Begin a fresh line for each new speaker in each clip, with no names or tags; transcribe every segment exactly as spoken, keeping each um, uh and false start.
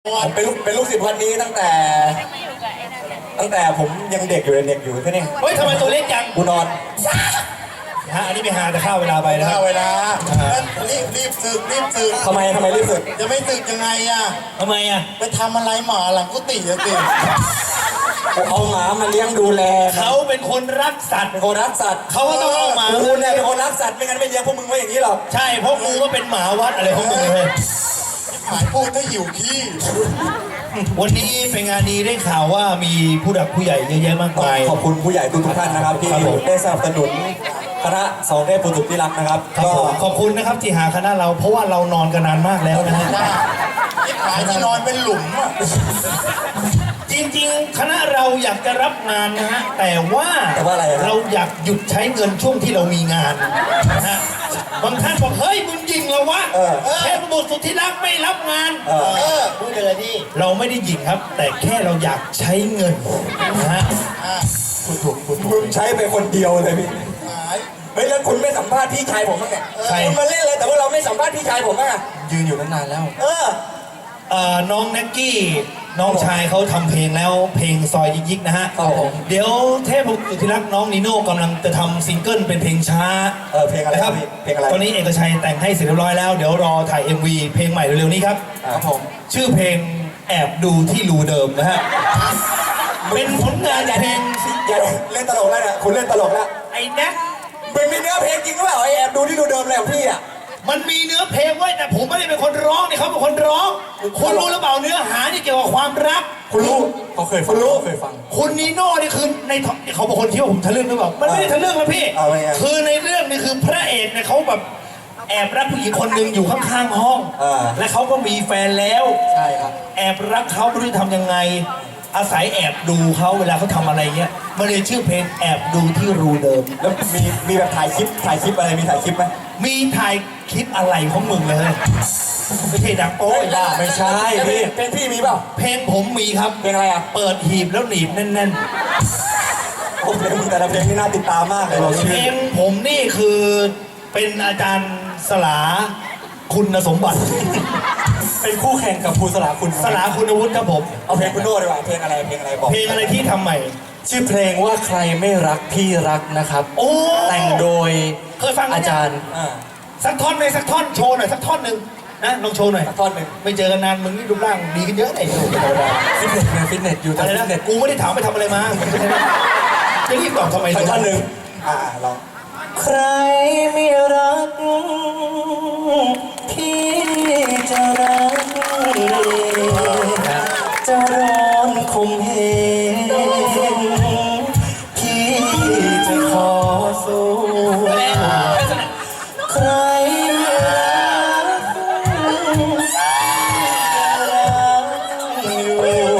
ผมเป็นลูกเป็นลูกศิษย์วัดนี้ตั้งแต่ตั้งแต่ผมยังเด็กอยู่เลยเด็กอยู่แค่นี้
เฮ้ยทำไมตัวเล็กจัง
กูนอน
ฮะอันนี้ไม่หาแต่ข้าวเวลาไปนะครับ
เวลารีบรีบสึกรีบสึก
ทำไมทำไมรีบสึก
จะไม่สึกยังไงอ่ะ
ทำไมอ่ะ
ไปทำอะไรหมาหลังกุฏิอะสิ
เอาหมามาเลี้ยงดูแล
เขาเป็นคนรักสัตว์
เป็นคนรักสัตว์
เขาก็ต้องเอาหมา
กูเนี่ยเป็นคนรักสัตว์ไม่งั้นไม่เลี้ยงพวกมึงไว้อย่างนี้หรอก
ใช่เพราะกูก็เป็นหมาวัดอะไรของมึงเลย
หมายพูดถ้าหิวขี้
วันนี้เป็นงานดีได้ข่าวว่ามีผู้หลักผู้ใหญ่เยอะแยะมากมาย
ขอบคุณผู้ใหญ่ทุกท่านนะครับที่ได้สนับสนุนคณะสองเทพบุตรที่รักนะครับ
ก็ขอบคุณนะครับที่หาคณะเราเพราะว่าเรานอนกันนานมากแล้วนะฮะ
หายที่นอนเป็นหลุมอ่ะ
จริงๆคณะเราอยากจะรับงานนะฮะแต่ว่า
แต่ว่าอะไร
เราอยากหยุดใช้เงินช่วงที่เรามีงานนะฮะบางท่านบอกเฮ้ยมึงยิงเราวะเทพบุตรสุดที่รักไม่รับงาน
เออพูดเลยดิ
เราไม่ได้ยิงครับแต่แค่เราอยากใช้เงินนะฮะ
คุณถูกคุณมึงใช้ไปคนเดียวเลยพี่เฮ้ยแล้วคุณไม่สัมภาษณ์พี่ชายผมบ้างเนี่ยคุณมาเล่นเลยแต่ว่าเราไม่สัมภาษณ์พี่ชายผมบ้างอะ
ยืนอยู่ตั้งนานแล้ว
เออ
น้องแน็กกี้น้องชายเขาทำเพลงแล้วเพลงซอยยิกๆนะฮะเดี๋ยวเทพบุตรสุดที่รักน้องนิโน่กำลังจะทำซิงเกิลเป็นเพลงช้า
เออเพลงอะไรครับเพลงอะไร
ตอนนี้เอกชัยแต่งให้เสร็จเรียบร้อยแล้วเดี๋ยวรอถ่าย เอ็ม วี เพลงใหม่เร็วๆนี้ครับ
ครับผม
ชื่อเพลงแอบดูที่รูเดิมนะฮะเป็นผลงานเพลง
อย่าเล่นตลกแล้วเนี่ยคุณเล่นตลกแล้ว
ไอ้แน็ก
มันมีเนื้อเพลงจริงหรือเปล่าไอแอบดูที่รูเดิมแล้วพี่อ่ะ
มันมีเนื้อเพลงไว้แต่ผมไม่ได้เป็นคนร้องนี่เขาเป็นคนร้องคุณรู้หรือเปล่าเนื้อหาที่เกี่ยวกับความรัก
คุณรู้เขาเคยฟังรู้เคยฟัง
คุณนีโน่นี่คือในเขาบอกคนคิดว่าผมทะลึ่งหรือเปล่ามันไม่ได้ทะลึ่งนะพี่คือในเรื่องนี่คือพระเอกเนี่ยเขาแบบแอบรักผู้หญิงคนหนึ่งอยู่ข้างๆห้องและเขาก็มีแฟนแล้ว
ใช่ครับ
แอบรักเขาไม่รู้ทำยังไงอาศัยแอบดูเขาเวลาเขาทำอะไรเงี้ยมันเลยชื่อเพลงแอบดูที่รูเดิม
แล้วมีมีแบบถ่ายคลิปถ่ายคลิปอะไรมีถ่ายคลิปไหม
มีถ่ายคลิปอะไรของมึงเลยไม่ใช่ดังโอ้ย
บ้าไม่ใช่พี่เพลงพี่มีเปล่า
เพลงผมมีครับ
เพลงอะไรอ่ะ
เปิดหีบแล้วหนีบแน่น
ๆโอ้เพลงมึงแต่ละเพลงนี่น่าติดตามมากเลย
เพลงผมนี่คือเป็นอาจารย์สลาคุณสมบัติ
เป็นคู่แข่งกับครูสลาคุณ
สลาคุณวุฒิครับผม
เอาเพลงคุณโน่ดีกว่าเพลงอะไรเพลงอะไรบอก
เพลงอะไรที่ทำใหม่
ชื่อเพลงว่าใครไม่รักพี่รักนะครับ
โอ้
แต่งโดย
เคยฟัง
อาจารย์
สักท่อนไหมสักท่อนโชว์หน่อยสักท่อนหนึ่งนะลองโชว์หน่อย
สักท่อนหนึ่ง
ไม่เจอกันนานมึงนี่รูปร่างดีขึ้นเยอะไอ้หนูธรรมดา
ฟิตเนสไงฟิตเนสอยู่แต่ฟิตเนส
กูไม่ได้ถามไปทำอะไรมาจะรีบตอบทำไม
สักท่อนหนึ่งอ่าลองใครไม่รักพี่จะรักจะร้อนคมเหงพี่จะขอสู้ใครรักรักอยู่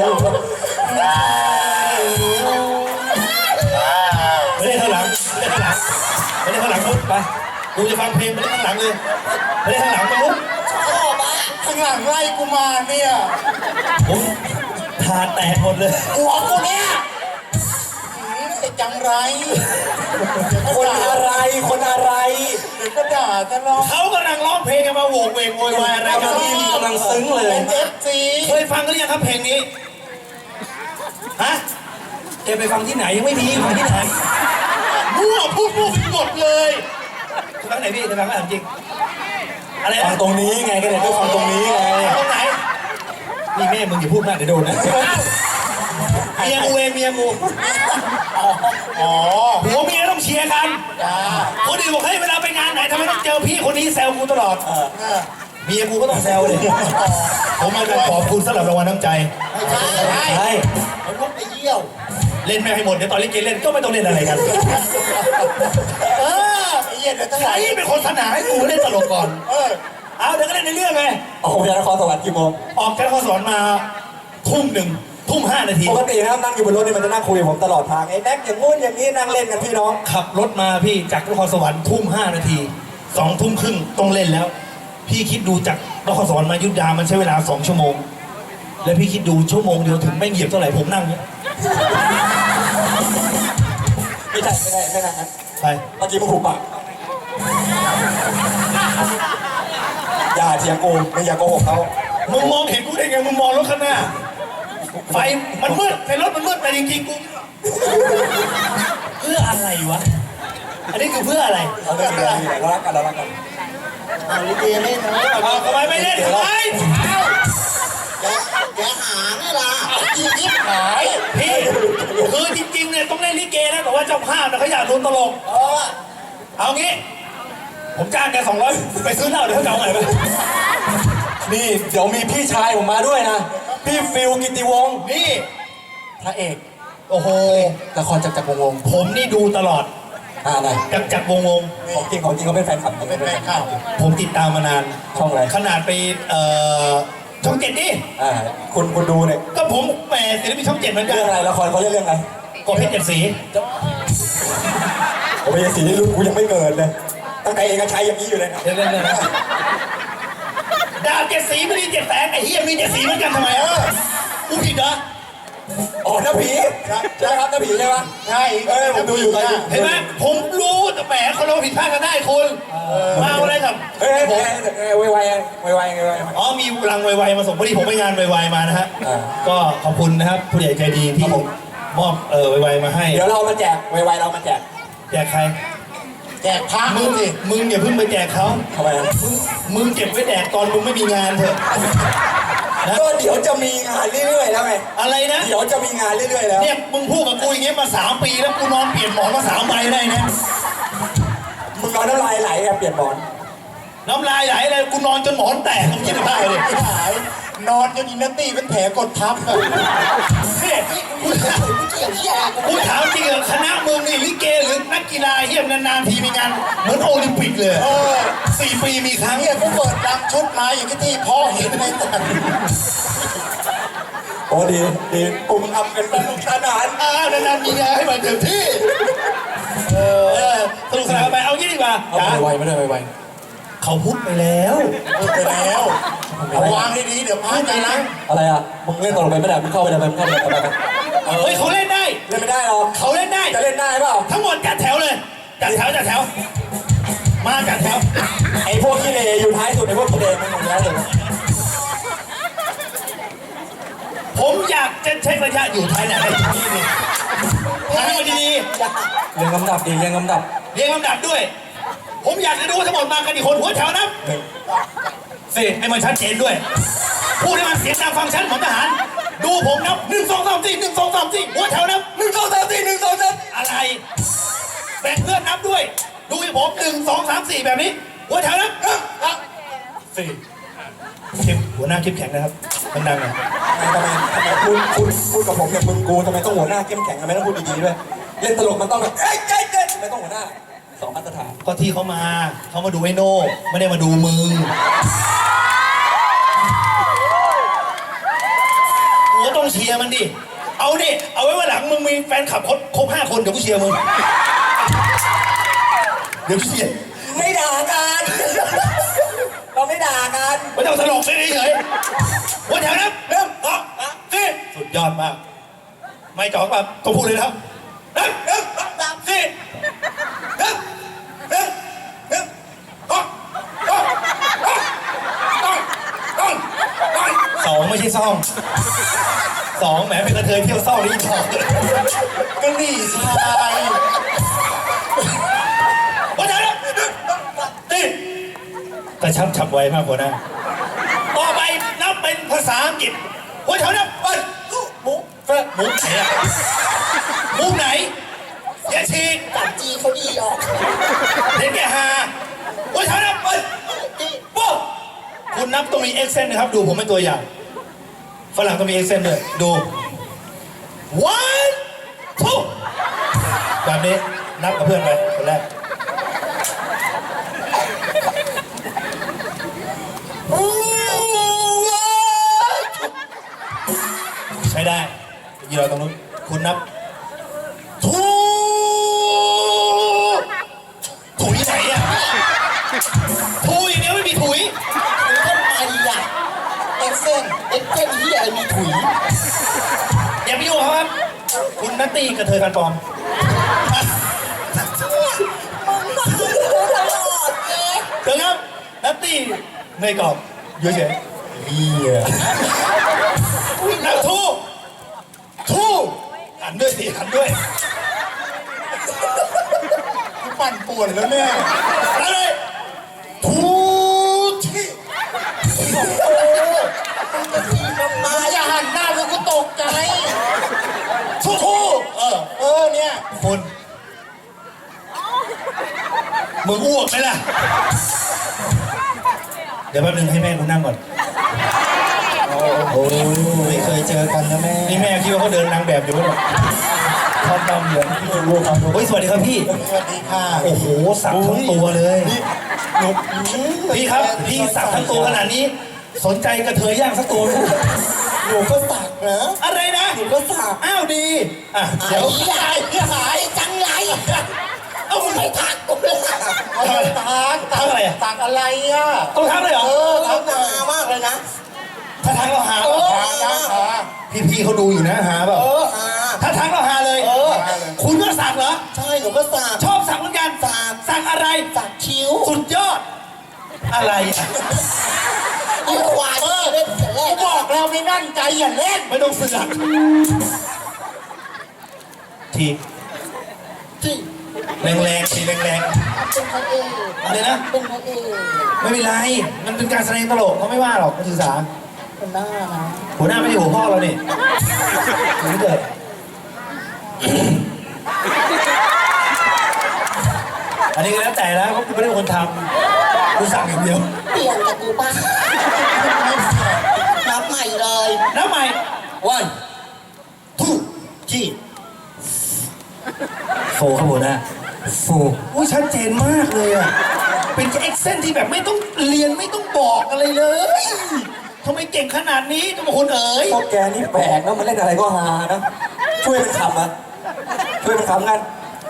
ไม่ได้ข้างหลังไม่ได้ข้างหลังไม่ได้ข้างหลังพุทธไปกูจะฟังเพลงไม่ได้ข้างหลังเลยไม่ได้ข้างหลังมาลุก
ข้างหลังไล่กูมาเนี่ย
ผมทาแตกหมดเลย
หัวกูเนี่ยไอ้จังไร
คนอะไรคนอะไร
เดี๋ยวก็ด่าตลอด
เขากำลังร้องเพลงกันมาโวกเวกโวยวายอะไรกัน
นี่กำลังซึ้งเลย
เป็นเอฟซี
เคยฟังกันหรือยังครับเพลงนี้ฮะแกไปฟังที่ไหนยังไม่มีฟังที่ไหนมั่วพูดมั่วหมดเลยฟังไหนพี่จะฟังอะไรจริงอะไร
ฟังตรงนี้ไงก็เลยต้องฟังตรงนี้ไง
ตรงไหนนี่แม่มึงอย่าพูดมากเดี๋ยวโดนนะเมียกูเองเมียกู
อ๋อ
หัวเมียต้องเชียร์กันคนอื่นบอกให้เวลาไปงานไหนทำไมต้องเจอพี่คนนี้แซวกูตลอดเมียกูก็ต้องแซวเลยผมมาขอบคุณสำหรับรางวัลน้ำใจ
ใช่มันลุกไปเยี่ยว
เล่นไม่ให้หมดเดี๋ยวตอนเล่นเกมเล่นก็ไม่ต้องเล่นอะไรกัน
เออไอ้เหี้ยเดี๋ยวทั้งหลาย
เป็นคนสนาให้กูเล่นตลกก่อน
เออ
เอาเดี๋ยวก็เล่นในเรื่องไง
ออกจากนครสวรรค์กี่โมง
ออกจากนครสวรรค์มาทุ่มหนึ่งทุ่มห้านาที
ปกตินะครับนั่งอยู่บนรถนี่มันจะนั่งคุยกับผมตลอดทางไอ้แน็กอย่างงู้นอย่างนี้นั่งเล่นกันพี่น้อง
ขับรถมาพี่จากนครสวรรค์ทุ่มห้านาทีสองทุ่มครึ่งต้องเล่นแล้วพี่คิดดูจากนครสวรรค์มายุทธยามันใช้เวลาสองชั่วโมงแล้วพี่คิดดูชั่วโมงเดียวถึงไม่เหยียบเท่าไหร่ผมนั่งเนี่ย
ไม่ใช่ไม่ได้ไม่ได้ครับ
ใช่
เมื่อกี้มึงถูกปะอย่าเถียงกูมึงอย่าโกหกเขา
มึงมองเห็นกูได้ไงมึงมองรถข้างหน้าไฟมันมืดในรถมันมืดแต่จริงๆกูเพื่ออะไรวะอันนี้คือเพื่ออะไร
เอาไม่เป็นไรเรารักกันเรารักกัน
เอาลิเกเล่นนะ
เอาทำไมไม่เล่นทำไม
แกหาไงล่ะอียิปต์หาย
พี่คือจริงๆเนี่ยต้องเล่นลิเกนะแต่ว่าเจ้าภาพเนี่ยเขาอยากดูตลก
เออ
เอางี้ ผมจ้างแกสองร้อยไปซื้อเหล้าเดี๋ยวเขาจะเอาไหนไป
นี่เดี๋ยวมีพี่ชายผมมาด้วยนะพี่ฟิลกิติวงศ์
นี่
พระเอก
โอ้โห
ละครจักรจักรวงศ์วงศ์
ผมนี่ดูตลอด
อ่าไหน
จักรจักรวงศ์วงศ์
ของจริงของจริงเขาเป็นแฟนคลับ
เป็นแฟนข่าว
ผมติดตามมานาน
ช่องอะไร
ขนาดไปเอ่อช่องเจ็ดดิ
อ่าคุณคุณดูเนี่ย
ก็ผมแหมศิลปินช่องเจ็ดเหมือนกัน
เรื่องอะไรละครเขาเรียกเรื่องอะไร
กบเพชรเจ็ดสี
ผมเป็นสีนี่รุ่นกูยังไม่เกิดเลยตั้งแต่เอกชัยอย่างนี้อยู่เลยนะ
เรื่องเรื่องเรื่องดาวเจ็ดสีไม่มีเจ็ดแสงไอ้เฮียมีเจ็ดสีเหมือนกันทำไมเออกูผิดเหรอ
อ๋อน้าผีใช่ครับน้าผีใช่ปะ
ใช่
เอ้ยผมดูอยู่ตอนนี้
เห็นไหมผมรู้แต่แหมคนเราผิดพลาดกันได้คุณมาเอาอะไรครับ
เฮ้ยเฮ้ยเฮ้ยเฮ้ยไวไวไวไวไวไว
อ๋อมีรังไวๆมาส่งพอดีผมไปงานไวๆมานะฮะ
อ่า
ก็ขอบคุณนะครับผู้ใหญ่ใจดีที่มอบเออไวๆมาให้
เดี๋ยวเรามาแจกไวไวเรามาแจก
แจกใคร
แจกพระ
มึ
มึ
ง
งสิ
มึงอย่าเพิ่งไปแจกเขา
ทำไมนะ
มึงเก็บไว้แดกตอนมึงไม่มีงานเถอะนะ
ก็เดี๋ยวจะมีงานเรื่อยๆแล้วไง
อะไรนะ
เดี๋ยวจะมีงานเรื่อยๆแล้ว
เนี่ยมึงพูดกับกูอย่างเงี้ยมาสามปีแล้วกูนอนเปลี่ยนหมอนมาสามใบได้นะ
มึงนอนน้ำลายไหลอะเปลี่ยนหมอน
น้ำลายไหลเลยกูนอนจนหมอนแตกมึงคิดได้เลย
ไม่หายนอนจนอินนาตี้เป็นแผลกดทับอะ
เนี่ยกูถาม
ไม่เกี่ยวที่อะไรกู
กูถามจริงเหรอคณะมึงนี่ลิเกหรือนักกีฬาเฮียนานๆทีมีงานเหมือนโอลิมปิกเลย
เออ
สี่ปีมีครั้ง
เนี่ยกูเปิดรังชุดมาอย่างที่พ่อเห็นในตัน
โอ้ดีดีปุ่มอับกันสนุกสนาน
อ่านานๆมีงานให้มันเต็มที่เออสนุกสนานไปเอางี้ดีกว่า
เอา
จ๋า
ไวไวไม่ได้ไวไว
เขาพูดไปแล้ว
พูดไปแล้วเอาวางให้ดีเดี๋ยวพระใจนะ
อะไรอ่ะมึงเล่นตลกไปไม่ได้มึงเข้าไปได้ไหมมึงเข้าไปได้ไหม
เฮ้ยเขาเล่นได้
เล่นไม่ได้หรอก
เขาเล่นได้
จะเล่นได้เปล่า
ทั้งหมดจัดแถวเลย จัดแถวจัดแถว มาจัดแถว
ไอ้พวกขี้เลอยู่ท้ายสุดไอ้พวกขี้เลมันอยู่ท้ายสุด
ผมอยากจะใช้ระยะอยู่ท้ายไหนนี่นี่ทำให้มันดี
เรียงลำดับดีเรียงลำดับ
ๆเรียงลำดับด้วย ผมอยากจะดูว่าทั้งหมดมากันกี่คนหัวแถวนับ
หนึ่ง
สิให้มันชัดเจนด้วย พูดให้มันเสียงดังฟังชัดเหมือนทหาร ดูผมนับหนึ่งสองสามสี่หนึ่งสองสามสี่หัวแถวนับ
หนึ่งสองสามสี่หนึ่งสองสาม
อะไร แบ่งเพื่อนนับด้วย ดูให้ผมหนึ่งสองสามสี่แบบนี้ หัวแถวนับหนึ่งสองสี่เข้มหัวหน้าเข้มแข็งนะครับดังๆหน่อย
ทำไมทำไมพูดพูดพูดกับผมเนี่ยมึงกูทำไมต้องหัวหน้าเข้มแข็งทำไมต้องพูดดีๆด้วยเล่นตลกมันต้องแบบเอ้ยเอ้ยเอ้ยทำไมต้องหัวหน้าสองมาตรฐาน
ก็ที่เขามาเขามาดูไอ้โน่ไม่ได้มาดูมึงหัวต้องเชียร์มันดิ เอาดิ เอาไว้ว่าหลังมึงมีแฟนคลับครบครบห้าคนเดี๋ยวกูเชียร์มึง เดี๋ยวกูเชียร์
ไม่ด่ากัน เราไม่ด่ากัน
ไม่ต้องตลกเลยเฉยหัวแถวนับเริ่มสองสามสี่สุดยอดมาก ไม่จอกแบบต้องพูดเลยนะครับหนึ่งหนึ่งสองสามสี่หนึ่งหนึ่งหนึ่งสองสองสองสองสองสองไม่ใช่ซ่องสองแหมเป็นกระเทยเที่ยวซ่องนี่ถอด
ก็นี่ชาย
หัวแถวนับหนึ่งสองสามสี่กระชับฉับไวมากกว่านะต่อไปนับเป็นภาษาอังกฤษหัวแถวนับเปิดหมูเฟิร์หมูไหนอะหมูไหนอย่าฉีก
จับจีเขาดีออก
เด็กแก่ฮาหัวแถวนับเปิดปุ๊บคุณนับต้องมีเอ็กเซนนะครับ ดูผมเป็นตัวอย่าง ฝรั่งต้องมีเอ็กเซนด้วยดู one two แบบนี้นับกับเพื่อนไปคนแรก ใช้ได้ยีเราตรงนู้นคุณนับทูถุยไหนอ่ะทูอย่างเดียวไม่มีถุย
ทำไมล่ะเอ็กเซนเอ็กเซนที่อะไรมีถุย
อย่าไปยุ่งกับเขาครับ คุณนัตตี้กระเทยกันปลอม
มึงมาดูตลอดเลย
เดี๋ยวครับนัตตี้ไม่กรอบอยู่เฉย
เฮีย
นักทูทูหันด้วยสิหันด้วย
ปั่นป่วนแล้วเนี่ย
มาเลยทูที่
มาอย่าหันหน้าแล้วกูตกใจ
ทูทูเออ
เออเนี่ย
คุณมึงอ้วกไหมล่ะ เดี๋ยวแป๊บนึงให้แม่กูนั่งก่อน
โอ้ไม่เคยเจอกันนะแม่
นี่แม่คิดว่าเขาเดินนางแบบอยู่ไหมเนี่ย
ทำตามเหมือนที่รู้ครับ
เฮ้ยสวัสดีครับพี่
สวัสดีค่ะ
โอ้โหสักทั้งตัวเลย
หนุก
พี่ครับพี่สักทั้งตัวขนาดนี้ สนใจกระเทยย่างสักตัวไหม
หนูก็สักนะ
อะไรนะ
หนูก็สัก
อ้าวดีอ่ะ
เดี๋
เดี๋
ย
ยว ว
หายหายจังไรเอาไม่ทักกูเลยเอาไม่ทัก
ทักอะไรอ่ะ
สักอะไรอ่ะ
ต้องทักเลยเหรอ
เออทักนามากเลยนะ
ถ้าทักเราหา
เออ
เปล่า
หาหา
พี่พี่เขาดูอยู่นะหาเปล่า
เออหา
ถ้าทักเราหาเลย
เออ
คุณก็สักเหรอ
ใช่หนูก็สัก
ชอบสักเหมือนกัน
สัก
สักอะไร
สักคิ้ว
สุดยอด อะไรอ่ะ
ไอ้ควายเล่นแต่แรกบอกแล้วไม่มั่นใจอย่าเล่น
ไม่ต้องเสือกที
ที่
แรงๆทีแรง
เป็นพระเอก
ๆอะไรนะ
เป็นพระเอก
ไม่เป็นไร มันเป็นการแสดงตลกเขาไม่ว่าหรอกเขาถือสา
เป็นหน้านะ
หัวหน้าไม่ใช่หัวพ่อเราเนี่ยถึงเกิดอันนี้ก็แล้วแต่แล้วเพราะกูไม่ได้เป็นคนทำกูสั่งอย่างเดียว
เปลี่ยนกับกูป่ะนับใหม่เลย
แล้วใหม่
วัน
ทูที่โฟครับหัวหน้า
โฟ
อุ้ยชัดเจนมากเลยอ่ะ เป็นเอ็กเซนที่แบบไม่ต้องเรียนไม่ต้องบอกอะไรเลยทำไมเก่งขนาดนี้ทุกคนเอ๋ย
พวกแกนี่แปลกนะมันเล่นอะไรก็ฮานะช่วยมันขำอ่ะช่วยมันขำกัน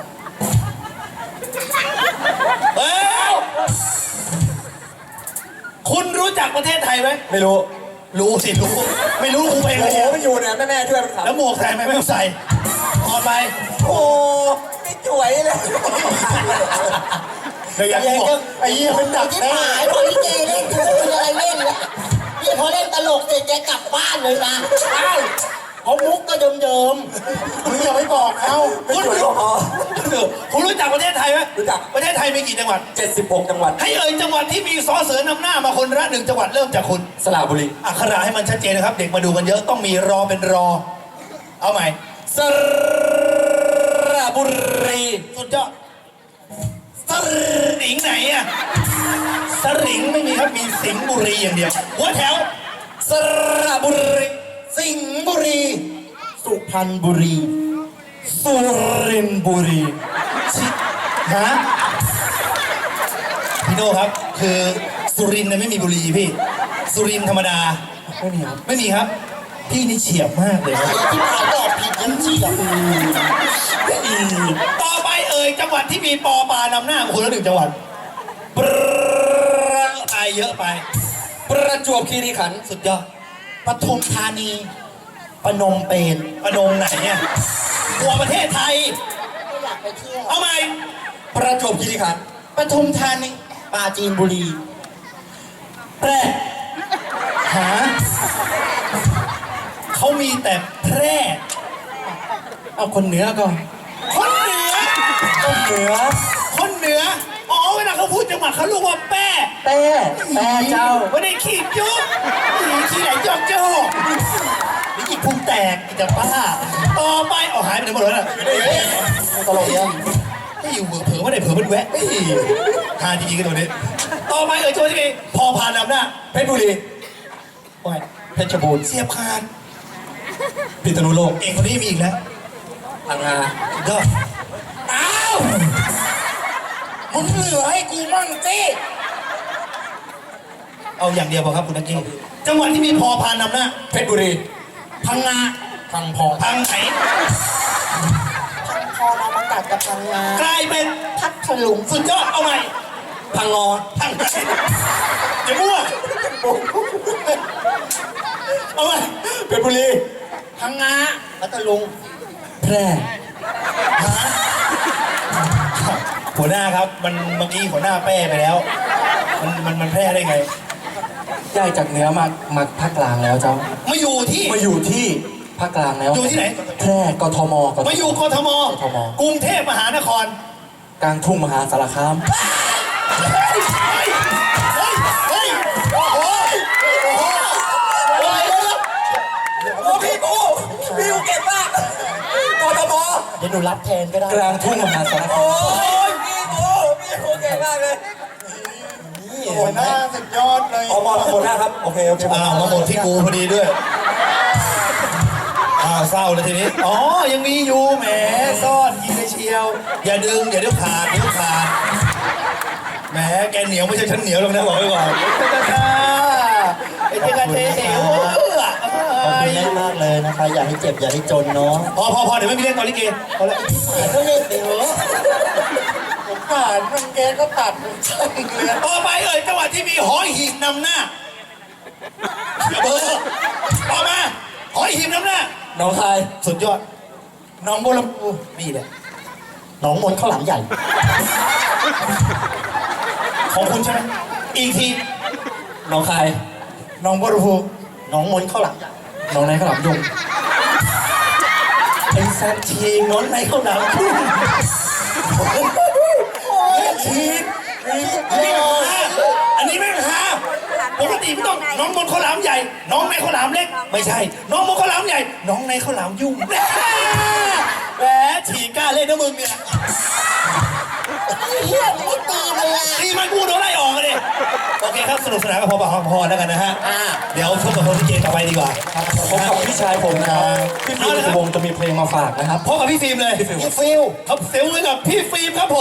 เอ้ยคุณรู้จักประเทศไทยไหม
ไม่รู้
รู้สิรู้ ไม่รู้กูไป
โอ้
เลย
โหมันอยู่เนี่ยแม่แม่ช่วยมันขำ
แล้วหมวกใส่ไหมไม่ต้องใส่ถอดไป
โอ้ไม่จ่วยเลย
เดี๋ยวอยาก
ไอ้
บอก
ก็ไอ้ยี่มันดักที่หายพอลิเกเล่นกูจะมีอะไรเล่นละนี่พอเล่นตลกเสร็จแกกลับบ้านเลยนะอ้าวเพราะมุกก็เดิมๆมึงอย่าไปบอกเขา
ไม่จ่วยก็พอ
คุณรู้จักประเทศไทยไหม
รู้จัก
ประเทศไทยมีกี่จังหวัด
เจ็ดสิบหกจังหวัด
ให้เอ่ยจังหวัดที่มีสอเสือนำหน้ามาคนละหนึ่งจังหวัดเริ่มจากคุณ
สระบุรี
อักขระให้มันชัดเจนนะครับ เด็กมาดูกันเยอะต้องมีรอเป็นรอ เอาใหม่
สระบุรี
สุดยอดสริงไหนอะสริงไม่มีครับมีสิงห์บุรีอย่างเดียว หัวแถว
สระบุรี
สิงห์บุรี สุพรรณบุรี
สุรินทร์บุรี
ชิฮะพี่โน่ครับ คือสุรินทร์เนี่ยไม่มีบุรีพี่ สุรินทร์ธรรมดา
ไม่มีครับ
ไม่มีครับ พี่นี่เฉียบมากเลยครับ
ไอ้ที่ผ่านตอบผิดยังเฉียบ
ต่อไปเอ่ยจังหวัดที่มีปอปานำหน้าของคุณละหนึ่งจังหวัดประไปเยอะไป
ประจวบคีรีขันธ์
สุดยอด
ปทุมธานีปนมเปญ
ประนงไหนเนี่ยกลัวประเทศไทย
ไม่อยากไปเที่ยว
เอาใหม่
ประจวบคีรีขันธ์
ปทุมธานีปราจีนบุรี
แพร่หาเขามีแต่แพร่
เอาคนเหนือก่อน
คนเหนือ
ต้นเหนือ
คนเหนือ อ๋อเวลาเขาพูดจังหวัดเขาเรียกว่าแป้
แต้แต้เจ้า
ไม่ได้ขีดยุบขี้ไหลจอกจอกนี่อีกพุงแตกอีกจะป้า ต่อไปเอาหายไปไหนหมดแล้วน่ะ
ตลกเนี่ย
ไม่อยู่เผลอๆไม่ได้เผลอมันแวะเฮ้ยหาจริงๆกันตัวนี้ ต่อไปเอ่ยจังหวัดที่มีพอพานนำหน้า
เพชรบุรี
โอ้ย
เพชรบูรณ์
เสียบขาด
พิษณุโลก
เองคนนี้มีอีกแล้ว
พังงา
ก็
อ้าวมึงเหลือให้กูมั่งสิ
เอาอย่างเดียวพอครับคุณนักกี้จังหวัดที่มีพอพานนำหน้า
เพชรบุรี
พังงา
พังพอง
พังไหน
พังพอมาประกาศกับพังงาก
ลายเป็น
พัทลุง
สุดยอดเอาใหม่
พังงอ
พังไหนอย่ามั่วเอาใหม่
เพชรบุรี
พังงาพัทลุง
แพร่
หัวหน้าครับ มันเมื่อกี้หัวหน้าแป้ไปแล้ว มันมันมันแพร่ได้ไง
ย้ายจากเหนือมามาภาคกลางแล้วเจ้า
มาอยู่ที่
มาอยู่ที่ภาคกลางแล้ว
อยู่ที่ไหน
แพร่กทมกท
มาอยู่กทม
กทม
กรุงเทพมหานคร
กลางทุ่งมหาสารคาม
เฮ้ยเฮ้ยเฮ้ยโอ้โหโอ้โหอะไรเนี่ย
โอ้พี่กูพี่กูเก่งมากกทม
เดี๋ยวหนูรับแทนก็ได้
กลางทุ่งมหาสารคาม
โอ้ยพี่กูพี่กูเก่งมากเลย
หัวหน้าสุดยอดเลย
ออกมาคนหน้าครับโอเคโอเค
อ้าวมาหมดที่กูพอดีด้วยอ้าวเศร้าเลยทีนี้อ๋อยังมีอยู่แหมซ่อนกินเลยเชียว อย่าดึงอย่าเดี๋ยวขาดเดี๋ยวขาดแหมแกเหนียวไม่ใช่ฉันเหนียวหรอกนะบอกไว้ก่อนไอ้เจ้ากระเทเหว
ขอบคุณแม่มากเลยนะคะ อย่าให้เจ็บอย่าให้จนเนาะ
พอพอพอเดี๋ยวไม่มีเล่นตอนลิเกพอแล้ว
ก็เล่นไปเถอะผมผ่านมันแกก็ตัดผมช่างเลย
ต่อไปเอ่ยจังหวัดที่มีหอยหีบนำหน้าเบอร์ต่อมาหอยหีบนำหน้า
น้องคาย
สุดยอดน้องบัวลำพูนี่แหละ
หนองมนต์ข้าวหลามใหญ่
ของคุณใช่ไหมอีกที
น้องคาย
น้องบัวลำพู
หนองมนต์ข้าวหลามใหญ่
น้องนายขาวหลามยง
ไอ้สัตว์ชีน้องในข้าวหนามพุ่งชีอันนี้ไม่หาปกติไม่ต้องน้องบนข้าวหลามใหญ่ น้องในข้าวหลามเล็ก ไม่ใช่ น้องบนข้าวหลามใหญ่ น้องในข้าวหลามยุ่งแหมฉีกกล้าเล่นนะมึงเนี่ย
เฮียไม่ตีมันละ
ตีมันกูโดนไล่ออกกันดิโอเคครับสนุกสนานก็พอปากพอแล้วกันนะฮะ
อ่า
เดี๋ยวพบกับคนที่เกต่อไปดีกว่า
พบกับพี่ชายผมนะครับพี่ฟิล์มสุวงศ์จะมีเพลงมาฝากนะครับ
พบกับพี่ฟิล์มเลย
พี่ฟิล
ครับเซลล์เลยกับพี่ฟิล์มครับผม